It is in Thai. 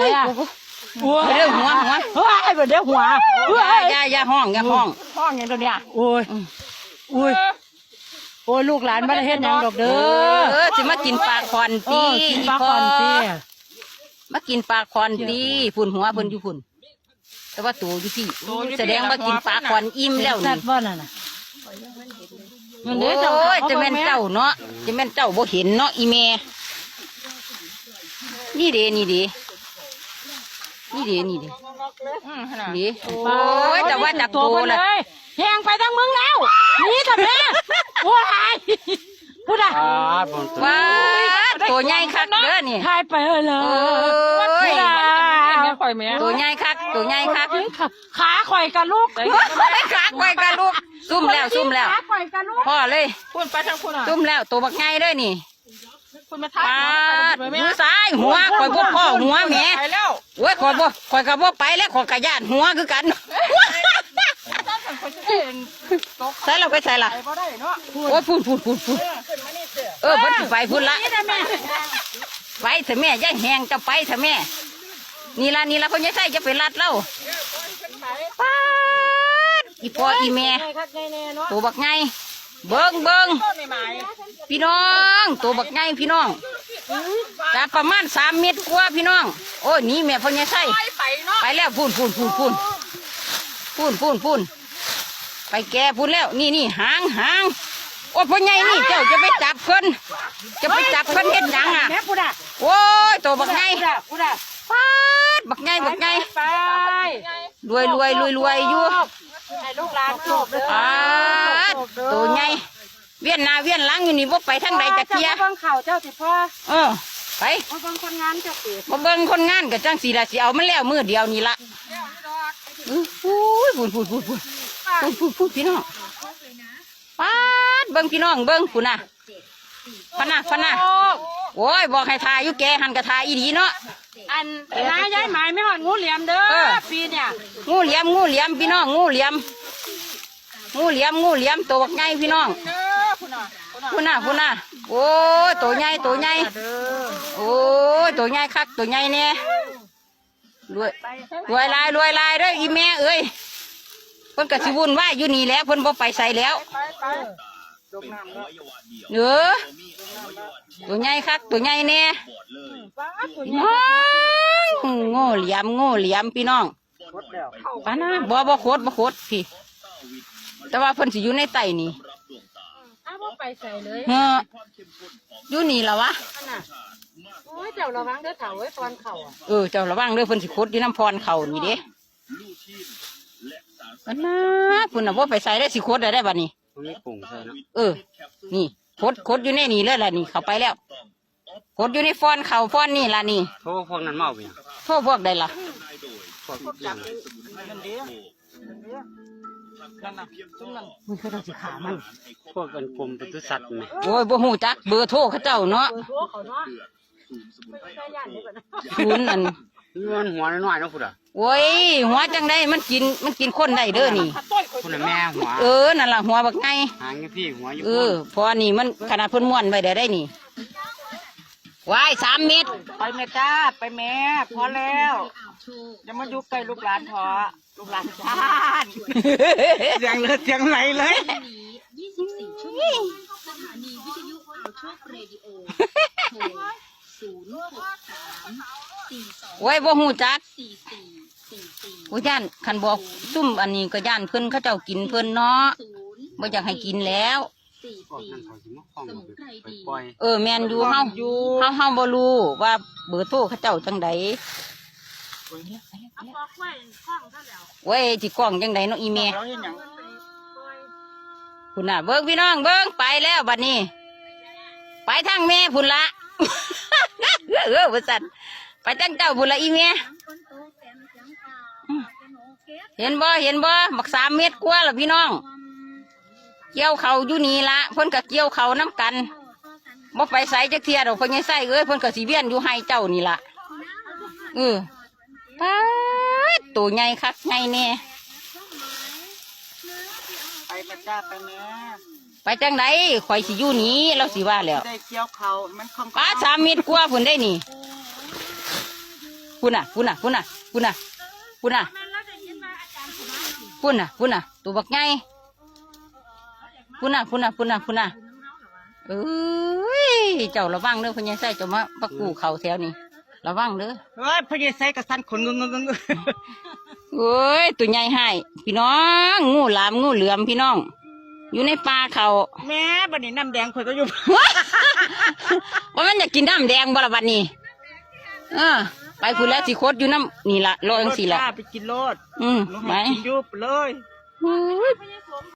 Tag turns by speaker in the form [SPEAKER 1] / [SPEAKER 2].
[SPEAKER 1] อ่ะ
[SPEAKER 2] เรื่องหัว
[SPEAKER 1] เฮ้ยเดี๋ยวหัว
[SPEAKER 2] อย่าห้อง
[SPEAKER 1] ห้องอย่างตัวเนี้ยโอ้ยลูกหลานบ้านเฮ็ดยังดอกเด้อ
[SPEAKER 2] จะมากินปลาคอนตี
[SPEAKER 1] กินปลาคอนตี
[SPEAKER 2] มากินปลาคอนตีฝุ่นหัวเพิ่นอยู่ฝุ่นแต่ว่าตัวอยู่ที่แสดงว่ากินปลาคอนอิ่มแล้วนี่
[SPEAKER 1] บ่นั่นน่ะ
[SPEAKER 2] โอ้ยจะแม่นเจ้าเนาะจะแม่นเจ้าบ่เห็นเนาะอีเมนี่เด้นี่โอ้ยแต่ว่าจับตัวละ
[SPEAKER 1] แหงไปทั้งมึงแล้วนี่แต่แม่โอ้ยพูดอ่ะ
[SPEAKER 2] ว้าตัวใหญ่คักเด้อนี่
[SPEAKER 1] ทายไปเลย
[SPEAKER 2] ตัวใหญ่คัก
[SPEAKER 1] ขาข่อยกับลูก
[SPEAKER 2] ขาข่อยกับลูกซุ่มแล้วพ่อเลย
[SPEAKER 1] พูดไปทางคุณอ่ะ
[SPEAKER 2] ซุ่มแล้วตัวบักใหญ่เลยนี่
[SPEAKER 1] คุณมาทาย
[SPEAKER 2] มือซ้ายหัวข่อยบ่พ่อหัวแม่โอ้ยข่อยกับบ่ไปแล้วข่อยกระยานหัวคือกันใส่เราไปใส่ละโอ้ยพูดเพิ่นไปพูดละไปเถอะแม่ย่าแหงจะไปเถอะแม่นี่ละพ่อใหญ่ใส่จะไปรัดเล่าอีพ่ออีแม่ตัวบักไงเบิ้งพี่น้องตัวบักไงพี่น้องจะประมาณ3 เมตรกว่าพี่น้องโอ้ยนี่แม่พ่อใหญ่ใส่ไปแล้วพูนไปแก่พูนแล้วนี่หางโอ้พ่อใหญ่นี่เจ้าจะไปจับเพิ่นเฮ็ดหยังอ่ะโอ้ยตัวบักไงบักไง
[SPEAKER 1] ไป
[SPEAKER 2] รวยอยู่
[SPEAKER 1] ให้ลูกหลานจบเลย
[SPEAKER 2] ตัวใหญ่เวียนหน้าเวียนหลังอยู่นี่บ่ไปทางใดจะเที่ย
[SPEAKER 1] เบิ่งข่าวเจ้าสิพ่อ
[SPEAKER 2] ไป
[SPEAKER 1] เบิ่งคนงานเจ้าสิ
[SPEAKER 2] บ่เบิ่งคนงานก็จังสิล่ะสิเอามันแล้วมื้อเดียวนี่ล่ะพูดพี่น้องป๊าดเบิ่งพี่น้องเบิ่งพุ่นน่ะพะนะโอ้ยบอกให้ทายอยู่แกหันกระทายอีดีเนาะ
[SPEAKER 1] อันนายย้ายหมายไม่หอดงูเหลี่ยมเด้อปีเนี่ย
[SPEAKER 2] งูเหลี่ยมพี่น้องงูเหลี่ยมตัวบักใหญ่พี่น้องพุ่นน่ะโอ้ยตัวใหญ่โอ้ยตัวใหญ่คักตัวใหญ่เนี่ยรวยลายเด้ออีแม่เอ้ยเพิ่นก็สิวุ่นวายอยู่นี่แล้วเพิ่นบ่ไปใส่แล้วตัวใหญ่คักตัวใหญ่เนี่ยงูเหลี่ยมพี่น้องป้านะบ่โคตรพี่แต่ว่าเพิ่นสิอยู่ในไตนี่
[SPEAKER 1] ไปใส่เลย
[SPEAKER 2] อยู่นี่ล่ะวะ
[SPEAKER 1] โอ้ยเจ้าระวังเด้อเฒ่าไว้พรเข่า
[SPEAKER 2] เจ้าระวังเด้อเพิ่นสิคดอยู่น้ำพรเข่านี่เด้ป้านะคุณน่ะบ่ไปใส่ได้สิคดได้บัดนี้นี่คดอยู่ในนี่เลยล่ะนี่เข้าไปแล้วคดอยู่ในฟอนเข่าฟอนนี่ล่ะนี่
[SPEAKER 3] โทษพวกนั้นเมาไป
[SPEAKER 2] โทษพวกใดล่ะมึงเขาต้องสิขามัน
[SPEAKER 3] พวกกันกลมปศุสัตว์ไหม
[SPEAKER 2] โอ้ยบ่หูจักเบอร์โทรเขาเจ้าเนาะศูนย์นั่น
[SPEAKER 3] มันหัวน้อยๆนะคุณอ่ะ
[SPEAKER 2] โอ้ยหัวจังได้มันกินคนได้เด้อนี่
[SPEAKER 3] คุณแม่หัว
[SPEAKER 2] นั่นล่ะหัวบักไง
[SPEAKER 3] หางพี่หัวอยู่
[SPEAKER 2] พอนี่มันขนาดพ่นม้วนไว้ได้นี่วาย3 เมตร
[SPEAKER 1] ไปแม่จ้าไปแม่พอแล้วอย่ามายุกไก่ลูกหลานพอลูกหลานจ้า
[SPEAKER 3] เสียงไหลเลย
[SPEAKER 4] 24 ชั่วโมงสถานีวิทยุข่าวโชคเรดิโอโทร063 42
[SPEAKER 2] โอ้ยบ่หูจัก
[SPEAKER 4] 4444
[SPEAKER 2] โอ้ยย่านคันบอกซุ่มอันนี้ก็ย่านเพิ่นเขาเจ้ากินเพิ่นเนาะบ่อยากให้กินแล้วแม่นอยู่เฮาบ่รู้ว่าเบอร์โทรเขาเจ้าจังไดเว้ยจิกล้องจังไดเนาะอีแม่พุ่นน่ะเบิ่งพี่น้องเบิ่งไปแล้วบัดนี้ไปทางแม่พุ่นละบ่สั่นไปทางเจ้าพุ่นละอีแม่เห็นบ่บัก3 เมตรกว่าล่ะพี่น้องเกี่ยวเขาอยู่นี่ละเพิ่นก็เกี่ยวเขาน้ำกันบ่ไปใส่จักเทียดอกเพิ่นยังใส่เพิ่นก็สิเวียนอยู่ให้เจ้านี่ละป๊าดตัวใหญ่คักใหญ่แน่
[SPEAKER 1] ไปแม่จ้าไปแม่
[SPEAKER 2] ไปจังไดข่อยสิอยู่นี้เราสิว่าแล้ว
[SPEAKER 1] ได้เกี่ยวเขามัน
[SPEAKER 2] ป้า3 เมตรกว่าพุ่นได้นี่พุ่นน่ะพุ่นน่ะพุ่นน่ะพุ่นน่ะพุ่นน่ะพุ่นน่ะพุ่นน่ะตัวบักไงพุ่นน่ะพุ่นน่ะพุ่นน่ะพุ่นน่ะเอ้ยเจ้าระวังเด้อพญาไส้เจ้ามาปักกูเข่าแถวนี้ระวังเด้อ
[SPEAKER 3] เฮ้ยพญาไสกระสันขนงง
[SPEAKER 2] โอ้ยตัวใหญ่ให้พี่น้องงูหลามงูเหลือมพี่น้อง อยู่ในป่าเขา
[SPEAKER 3] แม่บัดนี้น้ำแดงข่อยก็อยู่
[SPEAKER 2] ว่ามันอยากกินน้ำแดงบ่ละบัดนี้ไปพูดแล้วสิโคตรอยู่น้ำนี่ละรอจังสิละ
[SPEAKER 3] ไปกินโลด
[SPEAKER 2] ไป
[SPEAKER 3] กินยุบเลย
[SPEAKER 2] โอ้ย